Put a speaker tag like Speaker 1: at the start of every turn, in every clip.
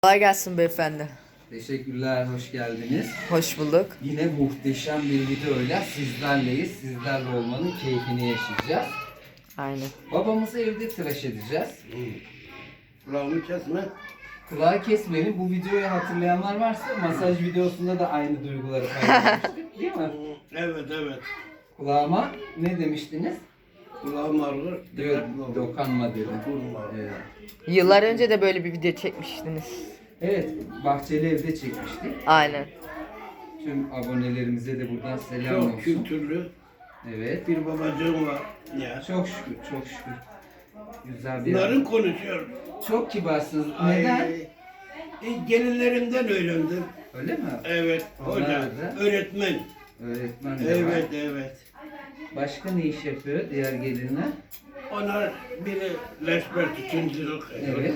Speaker 1: Kolay gelsin beyefendi.
Speaker 2: Teşekkürler, hoş geldiniz.
Speaker 1: Hoş bulduk.
Speaker 2: Yine muhteşem bir videoyla sizlerleyiz. Sizlerle olmanın keyfini yaşayacağız.
Speaker 1: Aynen.
Speaker 2: Babamızı evde tıraş edeceğiz.
Speaker 3: Kulağımı kesme.
Speaker 2: Kulağı kesmeyelim. Bu videoyu hatırlayanlar varsa masaj videosunda da aynı duyguları paylaşmıştık, değil mi?
Speaker 3: Evet.
Speaker 2: Kulağıma ne demiştiniz?
Speaker 3: Kulağım ağrır.
Speaker 2: Diyor, dokanma dedi.
Speaker 3: Dokunma.
Speaker 2: Evet.
Speaker 1: Yıllar önce de böyle bir video çekmiştiniz.
Speaker 2: Evet, Bahçeli Ev'de çekmiştik.
Speaker 1: Aynen.
Speaker 2: Tüm abonelerimize de buradan selam
Speaker 3: Çok
Speaker 2: olsun.
Speaker 3: kültürlü
Speaker 2: Evet.
Speaker 3: bir babacığım var. Ya.
Speaker 2: Çok şükür, çok şükür. Güzel bir
Speaker 3: Narın konuşuyor.
Speaker 2: Çok kibarsınız.
Speaker 3: Ay,
Speaker 2: Neden?
Speaker 3: gelinlerimden öğrendim.
Speaker 2: Öyle mi?
Speaker 3: Evet.
Speaker 2: Onlar
Speaker 3: Hoca.
Speaker 2: da-
Speaker 3: Öğretmen.
Speaker 2: Öğretmen de var.
Speaker 3: Evet.
Speaker 2: Başka ne iş yapıyor diğer gelinler?
Speaker 3: Onlar biri leşber tütüncülük.
Speaker 2: Evet.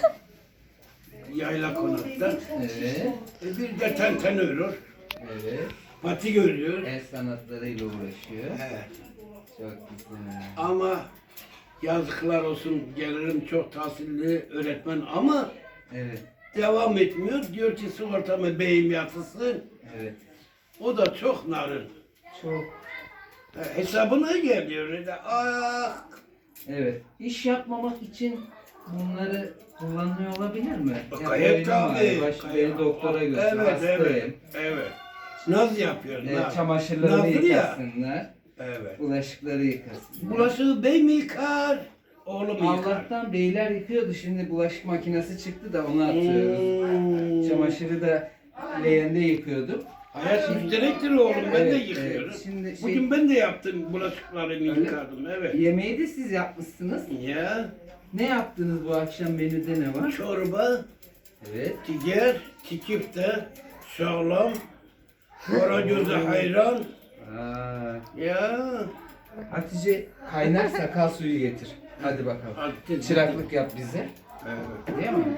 Speaker 3: Yayla konakta.
Speaker 2: Evet.
Speaker 3: Bir de tenten örüyor.
Speaker 2: Evet.
Speaker 3: Patik örüyor.
Speaker 2: El sanatlarıyla uğraşıyor.
Speaker 3: Evet.
Speaker 2: Çok güzel.
Speaker 3: Ama yazıklar olsun gelirim çok tahsilli öğretmen ama
Speaker 2: Evet.
Speaker 3: devam etmiyor. Diyor ki sigortamı beyim yatırsın.
Speaker 2: Evet.
Speaker 3: O da çok narın.
Speaker 2: Çok.
Speaker 3: Hesabına geliyor. Öyle. Ah!
Speaker 2: Evet. İş yapmamak için bunları kullanıyor olabilir mi? Ya
Speaker 3: Gayet
Speaker 2: böyle
Speaker 3: tabii.
Speaker 2: var, beni doktora götür,
Speaker 3: Evet.
Speaker 2: hastayım.
Speaker 3: Evet. Naz yapıyor. Naz.
Speaker 2: Çamaşırlarını
Speaker 3: Nazlı ya.
Speaker 2: yıkasınlar.
Speaker 3: Evet.
Speaker 2: Bulaşıkları yıkasınlar.
Speaker 3: Bulaşığı bey mi yıkar? Oğlum yıkar.
Speaker 2: Allah'tan beyler yıkıyordu. Şimdi bulaşık makinesi çıktı da onu atıyoruz. Çamaşırı da leğende yıkıyorduk.
Speaker 3: Hayat müşterektir oğlum. Ben de
Speaker 2: Evet,
Speaker 3: yıkıyorum.
Speaker 2: evet. Şimdi
Speaker 3: Bugün ben de yaptım bulaşıklarımı
Speaker 2: Öyle.
Speaker 3: yıkadım. Evet.
Speaker 2: yemeği de siz yapmışsınız.
Speaker 3: Ya.
Speaker 2: Ne yaptınız bu akşam menüde ne var?
Speaker 3: Çorba,
Speaker 2: Evet.
Speaker 3: tiger, kikifte, sağlam, karagöz'e hayran.
Speaker 2: Aa,
Speaker 3: Ya.
Speaker 2: Hatice kaynar sakal suyu getir. Hadi bakalım.
Speaker 3: Hadi.
Speaker 2: Çıraklık yap bize.
Speaker 3: Evet.
Speaker 2: Değil mi?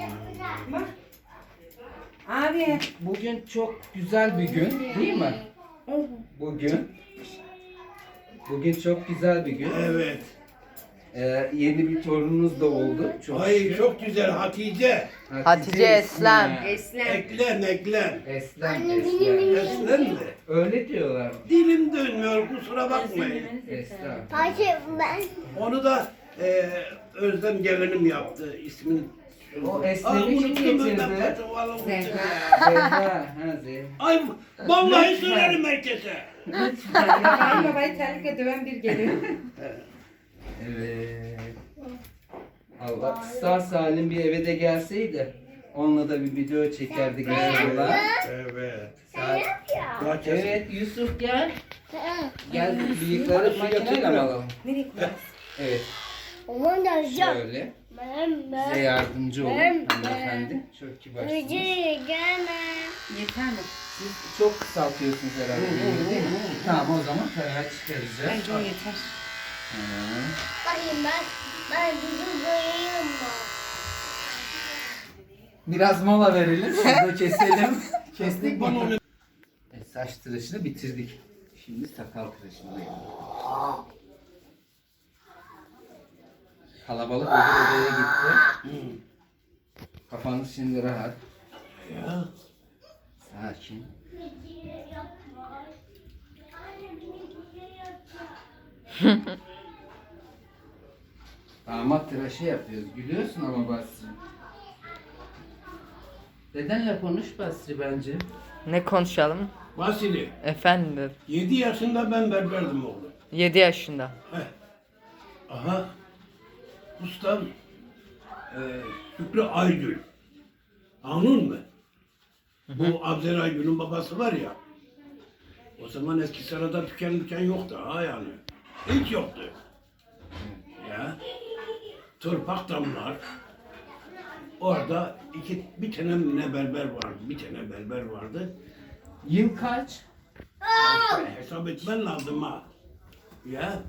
Speaker 4: Abi.
Speaker 2: Bugün çok güzel bir gün, değil mi? Bugün. Bugün çok güzel bir gün.
Speaker 3: Evet.
Speaker 2: Yeni bir torununuz da oldu. Çok
Speaker 3: Ay
Speaker 2: şükür.
Speaker 3: çok güzel Hatice.
Speaker 1: Hatice Eslem.
Speaker 3: Eklem.
Speaker 2: Eslem. Eslem.
Speaker 3: Eslem mi?
Speaker 2: Öyle diyorlar.
Speaker 3: Dilim dönmüyor kusura bakmayın.
Speaker 2: Eslem.
Speaker 3: Onu da Özlem gelinim yaptı. İsmini
Speaker 2: O Eslem'i kim getirdi? Zehra. Ha, Zehra.
Speaker 3: Ay vallahi söylerim herkese.
Speaker 4: Babayı terlikle döven bir geliyor.
Speaker 2: Evet. Allah sağ salim bir eve de gelseydi onunla da bir video çekerdik inşallah.
Speaker 3: Evet.
Speaker 2: Saat- Evet Yusuf gel. Gel bıyıkları makineyle mi alalım?
Speaker 4: Nereye koyacağız?
Speaker 2: Evet. Şöyle. Size yardımcı olun hanımefendi. Çok kibarsınız.
Speaker 4: Yeter mi?
Speaker 2: Siz çok kısaltıyorsunuz herhalde. Değil mi? Tamam o zaman karar çıkaracağız.
Speaker 4: Bence o yeter.
Speaker 2: Biraz mola verelim. Şurada keselim. Kestik bunu. Saç tıraşını bitirdik. Şimdi sakal tıraşındayım. Kalabalık öbür odaya gitti. Kafanız şimdi rahat.
Speaker 3: Ya.
Speaker 2: Sakin. Damat tıraşı yapıyoruz. Gülüyorsun ama Basri. Dedenle konuş Basri bence.
Speaker 1: Ne konuşalım?
Speaker 3: Vasili.
Speaker 1: Efendim.
Speaker 3: 7 yaşında ben berberdim oğlum.
Speaker 1: 7 yaşında.
Speaker 3: Heh. Aha. Ustam Şükrü Aygül. Anladın mı? Bu Abzer Aygül'ün babası var ya. O zaman eski sırada tüken yoktu ha yani. Hiç yoktu. Ya. Tırpak damlar. Orada bir tane ne berber vardı. Bir tane berber vardı.
Speaker 2: Yıl kaç?
Speaker 3: Hesap etmen lazım ha. Ya.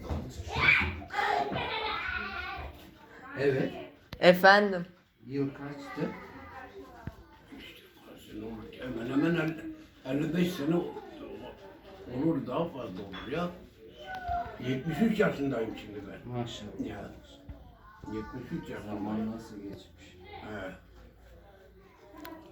Speaker 2: Evet.
Speaker 1: Efendim.
Speaker 2: Yıl kaçtı?
Speaker 3: Hemen hemen 55 sene olur daha fazla olur ya. 73 yaşındayım şimdi ben.
Speaker 2: Maşallah.
Speaker 3: Ya. 73 yaşındayım.
Speaker 2: Zaman nasıl geçmiş?
Speaker 3: He.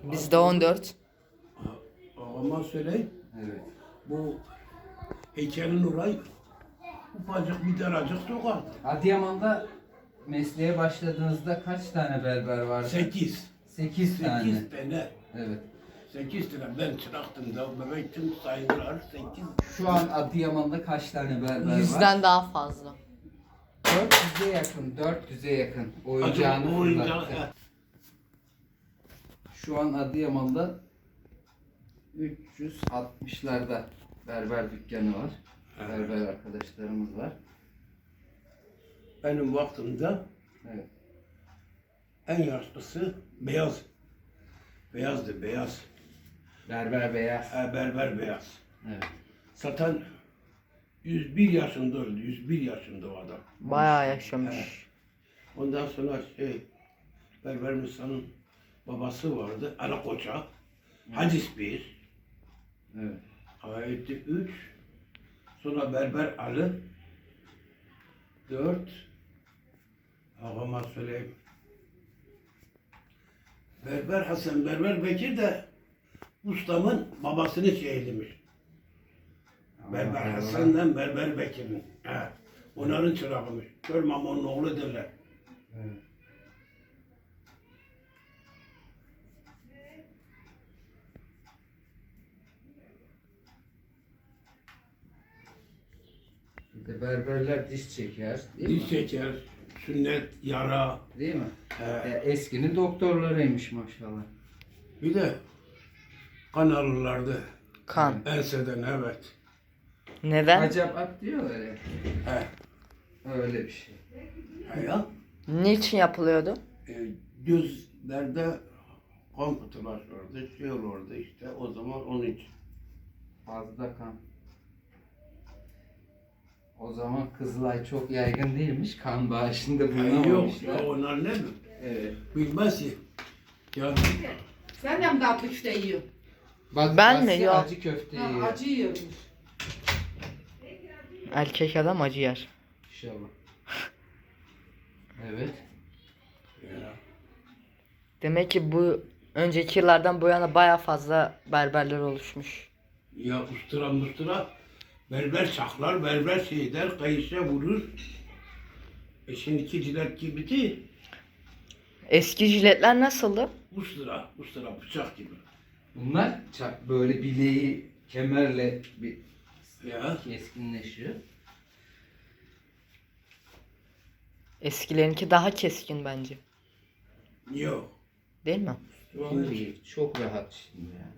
Speaker 1: Bizde 14.
Speaker 3: Ağama söyleyeyim.
Speaker 2: Evet.
Speaker 3: Bu heykelin orayı ufacık bir daracık sokaktı.
Speaker 2: Adıyaman'da mesleğe başladığınızda kaç tane berber vardı?
Speaker 3: 8.
Speaker 2: 8 tane.
Speaker 3: 8 tane.
Speaker 2: Evet.
Speaker 3: 8 tane. Ben çıraktım da bebektim sayılır 8.
Speaker 2: Şu an Adıyaman'da kaç tane berber var?
Speaker 1: 100'den daha fazla.
Speaker 2: 400'e yakın. 400'e yakın. Oyuncağını
Speaker 3: Acaba oyuncağı.
Speaker 2: fırlattı. Şu an Adıyaman'da 360'larda berber dükkanı var.
Speaker 3: Evet.
Speaker 2: Berber arkadaşlarımız var.
Speaker 3: Benim vaktimde
Speaker 2: Evet.
Speaker 3: en yaşlısı beyaz. Beyazdı beyaz.
Speaker 2: Berber beyaz.
Speaker 3: Berber beyaz.
Speaker 2: Evet.
Speaker 3: Zaten 101 yaşında öldü. 101 yaşında o adam.
Speaker 1: Bayağı yaşamış.
Speaker 3: Ondan sonra Berber Musa'nın babası vardı. Ali Koça. Hacis bir.
Speaker 2: Evet.
Speaker 3: Ayeti 3. Sonra Berber Ali. 4. Ağama söyleyeyim. Berber Hasan, Berber Bekir de ustamın babasını şehirlemiş. Berber
Speaker 2: Allah.
Speaker 3: Hasan'dan Berber Bekir'in. Onların çırağıymış. Kör Mamon'un oğlu derler.
Speaker 2: Evet. Bir de berberler diş çeker, değil
Speaker 3: Diş
Speaker 2: mi?
Speaker 3: çeker, sünnet, yara.
Speaker 2: Değil mi?
Speaker 3: He.
Speaker 2: Eskinin doktorlarıymış maşallah.
Speaker 3: Bir de kan alırlardı.
Speaker 1: Kan.
Speaker 3: Enseden evet.
Speaker 1: Neden?
Speaker 2: Acaba diyorlar ya.
Speaker 3: He.
Speaker 2: Öyle bir şey.
Speaker 3: Ya.
Speaker 1: Niçin yapılıyordu?
Speaker 3: Gözlerde kan pıhtılaşırdı, şey olurdu işte o zaman onun için.
Speaker 2: Fazla kan. O zaman Kızılay çok yaygın değilmiş. Kan bağışında
Speaker 3: Yok
Speaker 2: bulunamamışlar.
Speaker 3: ya onlar ne mi?
Speaker 2: Evet.
Speaker 3: Bilmez ki. Ya
Speaker 4: Sen de mi tatlı köfte yiyorsun?
Speaker 2: Bak,
Speaker 1: Ben mi?
Speaker 2: Basri
Speaker 1: Yok.
Speaker 2: acı köfte
Speaker 4: Ha,
Speaker 2: yiyor.
Speaker 4: acı yiyormuş.
Speaker 1: Erkek adam acı yer.
Speaker 2: İnşallah. Evet.
Speaker 3: ya.
Speaker 1: Demek ki bu önceki yıllardan bu yana baya fazla berberler oluşmuş.
Speaker 3: Ya ustura berber çaklar, berber şey der, kayışa vurur. Şimdiki cilet gibi değil.
Speaker 1: Eski jiletler nasıldı?
Speaker 3: Ustura bıçak gibi.
Speaker 2: Bunlar böyle bileği kemerle bir
Speaker 3: Ya.
Speaker 2: keskinleşiyor.
Speaker 1: Eskilerinki daha keskin bence.
Speaker 3: Yok.
Speaker 1: Değil mi?
Speaker 2: Şimdi iyi, çok rahat şimdi yani.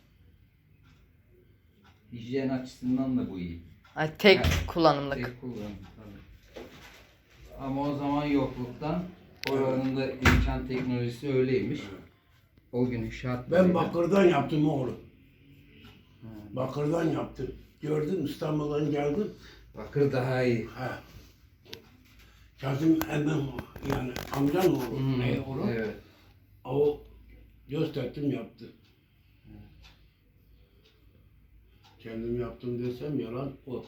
Speaker 2: Hijyen açısından da bu iyi.
Speaker 1: Ay, tek
Speaker 2: Yani
Speaker 1: kullanımlık.
Speaker 2: Tek kullanım tabii. Ama o zaman yokluktan oranın da imkan teknolojisi öyleymiş. O gün şartlarıyla.
Speaker 3: Ben bakırdan yaptım oğlum. Bakırdan yaptım. Gördüm İstanbul'dan geldim.
Speaker 2: Bakır daha iyi.
Speaker 3: Ha. Kazım hemen yani amcam oğlu.
Speaker 2: Hmm,
Speaker 3: Ne oğlu?
Speaker 2: Evet.
Speaker 3: O gösterdim yaptı. Kendim yaptım desem yalan o.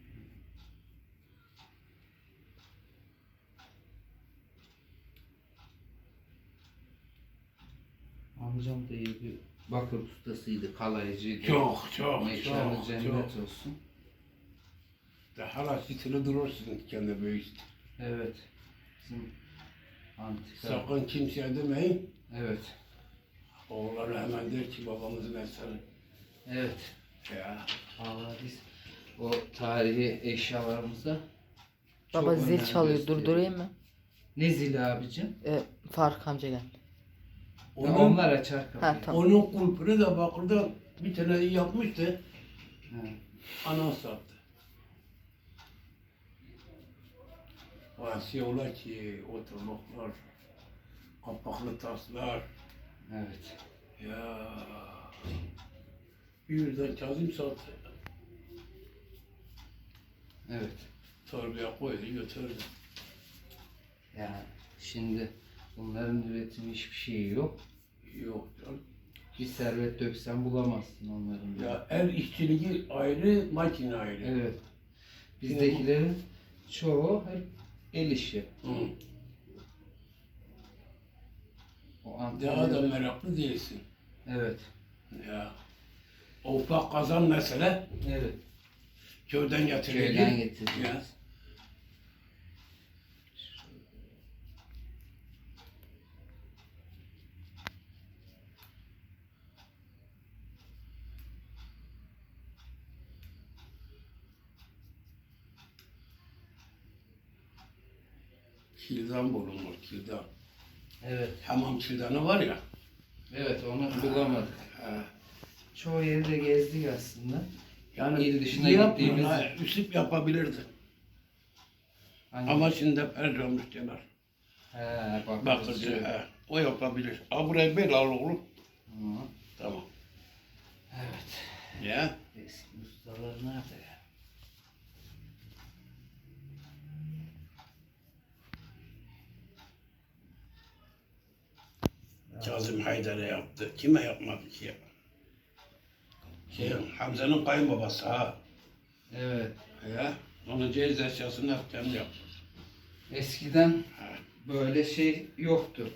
Speaker 2: Amcam da iyi bir bakır ustasıydı, kalaycıydı.
Speaker 3: Çok
Speaker 2: Mekanı
Speaker 3: çok
Speaker 2: cennet
Speaker 3: çok.
Speaker 2: olsun.
Speaker 3: Hala sitili durursun kendi büyük.
Speaker 2: Evet. Bizim antika.
Speaker 3: Sakın kimseye demeyin.
Speaker 2: Evet.
Speaker 3: Oğulları hemen der ki babamızın eseri.
Speaker 2: Evet.
Speaker 3: Ya.
Speaker 2: Vallahi biz o tarihi eşyalarımızda çok
Speaker 1: Baba zil
Speaker 2: önem
Speaker 1: çalıyor.
Speaker 2: gösteriyoruz.
Speaker 1: Durdurayım mı?
Speaker 2: Ne zili abicim?
Speaker 1: Faruk amca geldi.
Speaker 2: Onlar açar kapıyı.
Speaker 1: Ha tamam.
Speaker 3: Onun kulpunu da bakırda bir tane yapmıştı.
Speaker 2: Ha.
Speaker 3: Ana sattı. Vasiyola ki oturmaklar, kapaklı taslar.
Speaker 2: Evet.
Speaker 3: Ya. Bir yüzden Kazım sattı.
Speaker 2: Evet.
Speaker 3: Torbaya koydu götürdü.
Speaker 2: Yani şimdi bunların üretimi hiçbir şeyi yok.
Speaker 3: Yok canım.
Speaker 2: Bir servet döksen bulamazsın onların.
Speaker 3: Ya el işçiliği ayrı, makine ayrı.
Speaker 2: Evet. Bizdekilerin çoğu hep el işi.
Speaker 3: Hı.
Speaker 2: O
Speaker 3: Daha da
Speaker 2: antenleri-
Speaker 3: meraklı değilsin.
Speaker 1: Evet.
Speaker 3: Ya. O ufak kazan mesele
Speaker 1: Evet.
Speaker 3: köyden getirildi.
Speaker 1: Köyden getirdik.
Speaker 3: Ya. Kildan bulunur, kildan.
Speaker 1: Evet.
Speaker 3: Hamam kildanı var ya.
Speaker 1: Evet, onu bulamadık.
Speaker 3: Ha.
Speaker 1: Çoğu yeri de gezdik aslında.
Speaker 3: Yani
Speaker 1: İl dışına
Speaker 3: yapmıyor,
Speaker 1: gittiğimiz-
Speaker 3: ha, Üsüp yapabilirdi.
Speaker 1: Hangi?
Speaker 3: Ama şimdi perc olmuş diyorlar.
Speaker 1: He,
Speaker 3: Bakırcı, he. O yapabilir. Ha burayı böyle al oğlum.
Speaker 1: Hı.
Speaker 3: Tamam.
Speaker 1: Evet.
Speaker 3: Ya.
Speaker 1: Eski ustalar nerede ya?
Speaker 3: Kazım Haydar'a yaptı. Kime yapmadı ki ya? Hamza'nın kayınbabası ha.
Speaker 1: Evet.
Speaker 3: Ya. Onun cehiz eşyasını hep kendi yaptı.
Speaker 1: Eskiden
Speaker 3: Ha.
Speaker 1: böyle şey yoktu.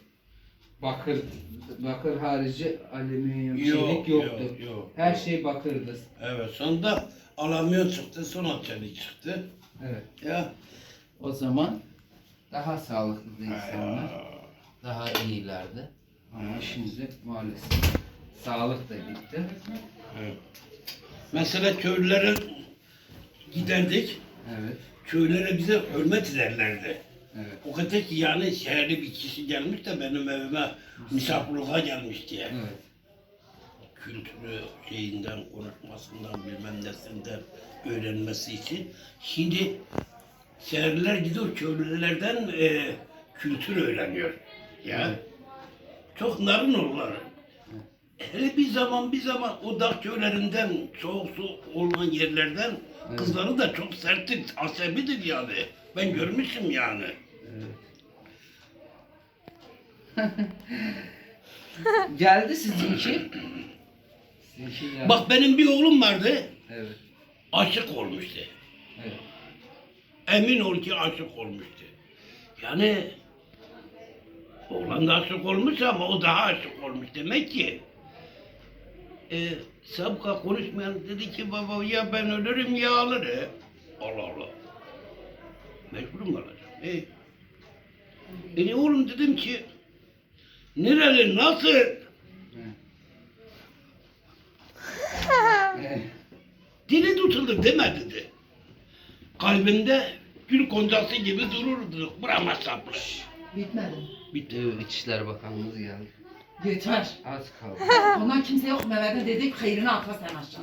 Speaker 1: Bakır harici alüminyum
Speaker 3: Yok,
Speaker 1: çelik yoktu.
Speaker 3: yok.
Speaker 1: Her şey bakırdı.
Speaker 3: Evet, sonunda alüminyum çıktı, sonra çelik çıktı.
Speaker 1: Evet.
Speaker 3: Ya.
Speaker 1: O zaman daha sağlıklı insanlar,
Speaker 3: Ha.
Speaker 1: daha iyilerdi. Ama şimdi maalesef sağlık da gitti.
Speaker 3: Evet. Mesela köylülere giderdik.
Speaker 1: Evet.
Speaker 3: Köylere bize hürmet ederlerdi.
Speaker 1: Evet.
Speaker 3: O kadar ki yani şehirli bir kişi gelmiş de benim evime misafirliğe gelmiş diye.
Speaker 1: Evet.
Speaker 3: Kültürü şeyinden, konuşmasından, bilmem nesinden öğrenmesi için. Şimdi şehirliler gidiyor köylülerden kültür öğreniyor. Ya.
Speaker 1: Evet.
Speaker 3: Çok narin olurlar. Hele bir zaman o dağ köylerinden, soğuk su olan yerlerden
Speaker 1: Evet.
Speaker 3: kızları da çok serttir, asabidir yani. Ben görmüşüm yani.
Speaker 1: Geldi sizinki. Sizinki geldi.
Speaker 3: Bak benim bir oğlum vardı,
Speaker 1: Evet.
Speaker 3: aşık olmuştu.
Speaker 1: Evet.
Speaker 3: Emin ol ki aşık olmuştu. Yani oğlan da aşık olmuş ama o daha aşık olmuş demek ki. Sabıka konuşmayan dedi ki baba ya ben ölürüm ya alır. Allah Allah. Mecburum alacağım. Oğlum dedim ki nereli nasıl?
Speaker 1: Evet.
Speaker 3: Dili tutuldu deme dedi. Kalbinde gül goncası gibi dururdu. Burama sapmış.
Speaker 4: Bitmedi.
Speaker 3: Bitti.
Speaker 1: İçişler Bakanımız geldi.
Speaker 4: Yeter.
Speaker 1: Az kaldı.
Speaker 4: Ondan kimse yok Mehmet'e dedik hayrını atla sen aşağı.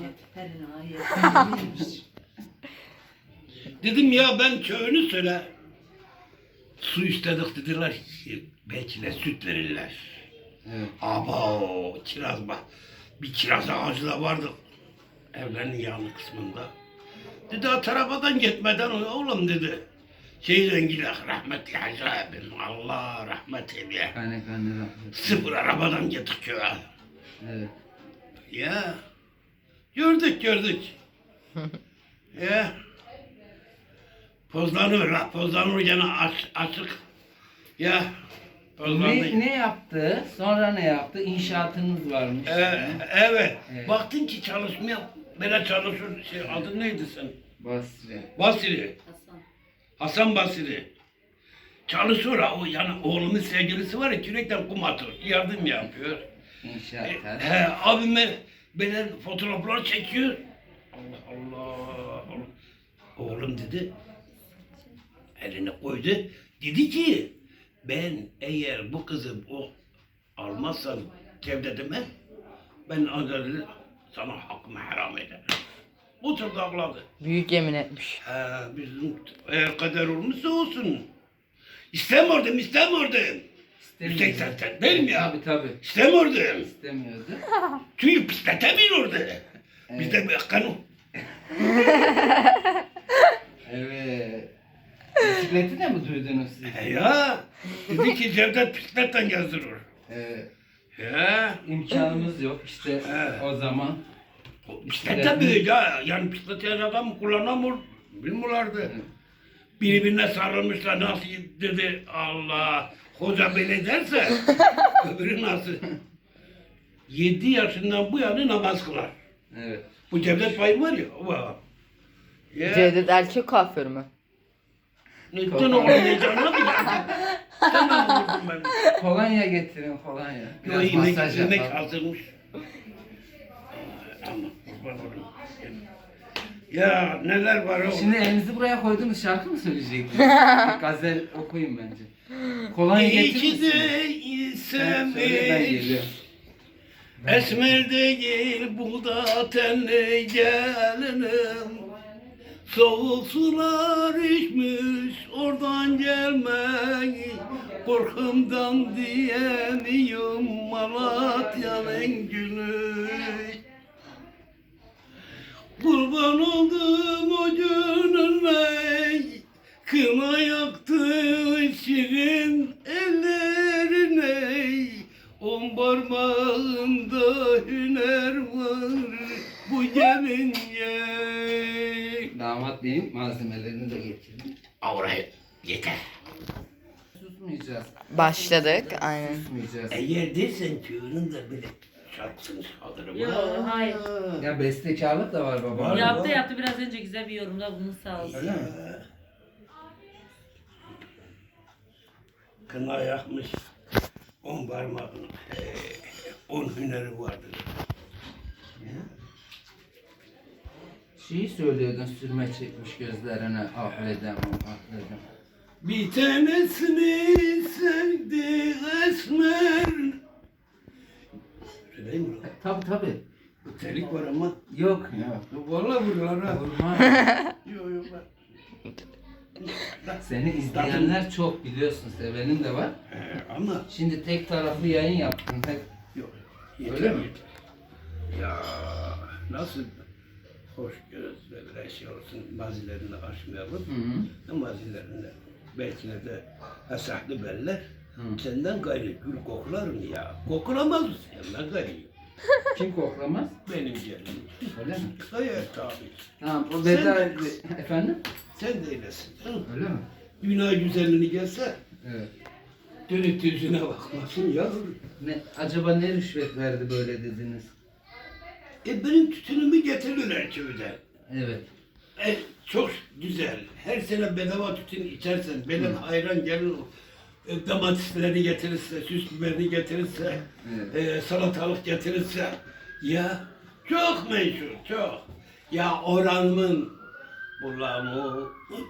Speaker 3: Dedim ya ben köyünü söyle. Su istedik dediler. Belki de süt verirler.
Speaker 1: Evet.
Speaker 3: Aba o kiraz bak. Bir kiraz ağacı da vardı. Evlerin yanı kısmında. Dedi o tarafadan gitmeden oğlum dedi. Şeyden gidelim rahmetli Hacı abim. Allah rahmet eyle.
Speaker 1: Kaynak rahmet.
Speaker 3: Sıfır arabadan gittik köye.
Speaker 1: Evet.
Speaker 3: Ya. Gördük. Ya. Pozlanır gene açık. Ya. Pozlanır.
Speaker 1: Ne yaptı? Sonra ne yaptı? İnşaatınız varmış.
Speaker 3: Evet.
Speaker 1: Evet.
Speaker 3: Baktın ki çalışmaya böyle çalışır. Adın neydi sen?
Speaker 1: Basri.
Speaker 3: Basri. Hasan Basri. Çalışıyor ha o yani oğlumun sevgilisi var ya kürekten kum atıyor. Yardım yapıyor.
Speaker 1: İnşaatlar.
Speaker 3: Abime böyle fotoğraflar çekiyor. Allah Allah. Oğlum dedi. Elini koydu. Dedi ki ben eğer bu kızı o almazsam Cevdet'ime ben ancak sana hakkımı haram ederim. Oturdu ağladı.
Speaker 1: Büyük yemin etmiş.
Speaker 3: Bizim eğer kader olmuşsa olsun. İstemiyordum. Yüksek sesten değil mi ya?
Speaker 1: Tabii.
Speaker 3: İstemiyordum.
Speaker 1: İstemiyordu.
Speaker 3: Çünkü pisletemiyordu. Bizde bir kanun.
Speaker 1: Evet. Bisikleti de mi duydunuz siz?
Speaker 3: Ya dedi ki Cevdet pisletten gezdirir.
Speaker 1: Evet.
Speaker 3: Ya
Speaker 1: İmkanımız yok işte
Speaker 3: Evet.
Speaker 1: o zaman.
Speaker 3: bisiklet böyle ya. Yani bisiklet adam kullanamıyor. Bilmiyorlardı.
Speaker 1: Evet.
Speaker 3: Birbirine sarılmışlar nasıl dedi Allah. Hoca böyle derse öbürü nasıl? 7 yaşından bu yana namaz kılar.
Speaker 2: Evet.
Speaker 3: Bu Cevdet Bey var ya. O var. Ya,
Speaker 1: Cevdet erkek kuaför mü?
Speaker 3: neden oğlum ne canına mı geldin? Tamam vurdum ben.
Speaker 2: Kolonya getirin kolonya.
Speaker 3: Yo,
Speaker 2: Biraz
Speaker 3: inek,
Speaker 2: masaj
Speaker 3: inek
Speaker 2: yapalım.
Speaker 3: hazırmış. Ama kurban olayım. Ya neler var oğlum.
Speaker 2: Şimdi elinizi buraya koydunuz şarkı mı söyleyecektiniz? Bir gazel okuyun bence. Kolonya
Speaker 3: İyi
Speaker 2: getirir
Speaker 3: ki
Speaker 2: misin?
Speaker 3: değilsem
Speaker 2: Söyle ben
Speaker 3: hiç.
Speaker 2: geliyorum.
Speaker 3: Esmer değil bu da tenli gelinim. Soğuk sular içmiş oradan gelmeyi. Korkumdan diyemiyorum Malatya'nın gülü. Kurban oldum o gününe, kına yaktı şirin ellerine. 10 parmağında hüner var bu gelince.
Speaker 2: Damat benim malzemelerini de getirdim.
Speaker 3: Avraya yeter.
Speaker 2: Susmayacağız.
Speaker 1: Başladık aynen.
Speaker 2: Susmayacağız.
Speaker 3: Eğer dersen köyünün de bile şarkısını çalarım.
Speaker 5: Yok, hayır.
Speaker 2: Ya bestekarlık da var baba.
Speaker 3: Var.
Speaker 5: Yaptı biraz önce güzel bir yorumda bunu sağ olsun.
Speaker 2: Öyle mi?
Speaker 3: Kına yakmış 10 parmağını. 10 hüneri vardır.
Speaker 2: Şeyi söylüyordun sürme çekmiş gözlerine ahledem ahledem.
Speaker 3: Bir tanesini sevdi esmer. Söyleyeyim mi?
Speaker 2: Tabi tabi.
Speaker 3: Telik var ama.
Speaker 2: Yok ya.
Speaker 3: Vallahi vuruyorlar ha.
Speaker 2: Vurma.
Speaker 3: Yok yok bak.
Speaker 2: Seni izleyenler çok biliyorsun, sevenin de var.
Speaker 3: Ama
Speaker 2: Şimdi tek taraflı yayın yaptın. Hep
Speaker 3: yok.
Speaker 2: Öyle mi?
Speaker 3: Ya nasıl hoş gözle bir şey olsun mazilerini aşmayalım.
Speaker 2: Hı hı.
Speaker 3: Mazilerinde belki de esahlı beller.
Speaker 2: Hı.
Speaker 3: Senden gayrı gül koklar mı ya? Kokulamaz mı senden gayrı?
Speaker 2: Kim koklamaz?
Speaker 3: Benim gelinim.
Speaker 2: Öyle mi?
Speaker 3: Hayır tabi.
Speaker 2: Tamam o veda
Speaker 3: Sen-
Speaker 2: etti. Efendim?
Speaker 3: Sen de öylesin. Hı?
Speaker 2: Öyle mi?
Speaker 3: Dünya güzelliğini gelse
Speaker 2: Evet.
Speaker 3: dönüp yüzüne bakmasın yavrum.
Speaker 2: Ne, acaba ne rüşvet verdi böyle dediniz?
Speaker 3: Benim tütünümü getirirler köyden.
Speaker 2: Evet.
Speaker 3: Çok güzel. Her sene bedava tütün içersen, benim hayran gelin domatesleri getirirse, süs biberini getirirse,
Speaker 2: Evet.
Speaker 3: salatalık getirirse, ya çok meşhur, çok. Ya oranımın bulamı,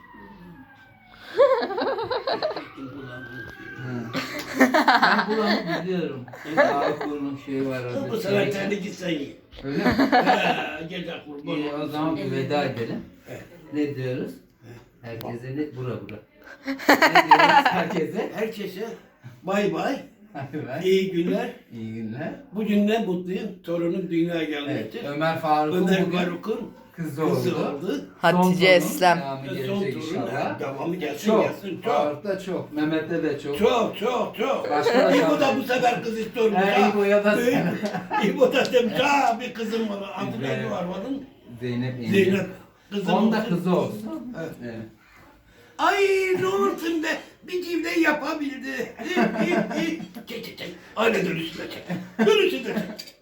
Speaker 2: Ben buramı biliyorum. Ağırkur'un şeyi var orada.
Speaker 3: bu sefer kendi gitsen ye.
Speaker 2: Öyle mi?
Speaker 3: Gece kurban.
Speaker 2: İyi o zaman bir veda edelim.
Speaker 3: Evet.
Speaker 2: Ne diyoruz? Herkese ne? Bura. Ne diyoruz herkese?
Speaker 3: Herkese bay bay,
Speaker 2: Hadi ver.
Speaker 3: iyi günler.
Speaker 2: İyi günler.
Speaker 3: Bugün ne mutluyum, torunum dünyaya
Speaker 2: Evet,
Speaker 3: gelmiştir.
Speaker 2: Ömer Faruk'un
Speaker 3: Ömer
Speaker 2: bugün
Speaker 3: Faruk'un
Speaker 2: kızı
Speaker 3: kızı
Speaker 2: oldu.
Speaker 3: oldu.
Speaker 1: Hatice
Speaker 2: Son
Speaker 1: Eslem.
Speaker 2: Devamı
Speaker 3: Son
Speaker 2: gelecek
Speaker 3: torun,
Speaker 2: inşallah.
Speaker 3: devamı gelsin
Speaker 2: Çok.
Speaker 3: gelsin, çok.
Speaker 2: Faruk'ta çok. Mehmet'te de çok.
Speaker 3: Çok çok çok.
Speaker 2: Başka da
Speaker 3: İbo da
Speaker 2: kaldı.
Speaker 3: bu sefer kız istiyormuş
Speaker 2: He,
Speaker 3: ha.
Speaker 2: İbo'ya da sen.
Speaker 3: İbo da demiş ha bir kızım var. Adı
Speaker 2: İbrahim.
Speaker 3: neydi var onun?
Speaker 2: Zeynep yenge.
Speaker 3: Zeynep. Kızım
Speaker 2: Onun da
Speaker 3: olsun.
Speaker 2: kızı olsun.
Speaker 3: Evet.
Speaker 2: Evet.
Speaker 3: Ay ne olursun be. Bir cimde yapabildi. Çek çek çek. Aile dönüşüne çek. Dönüşüne çek.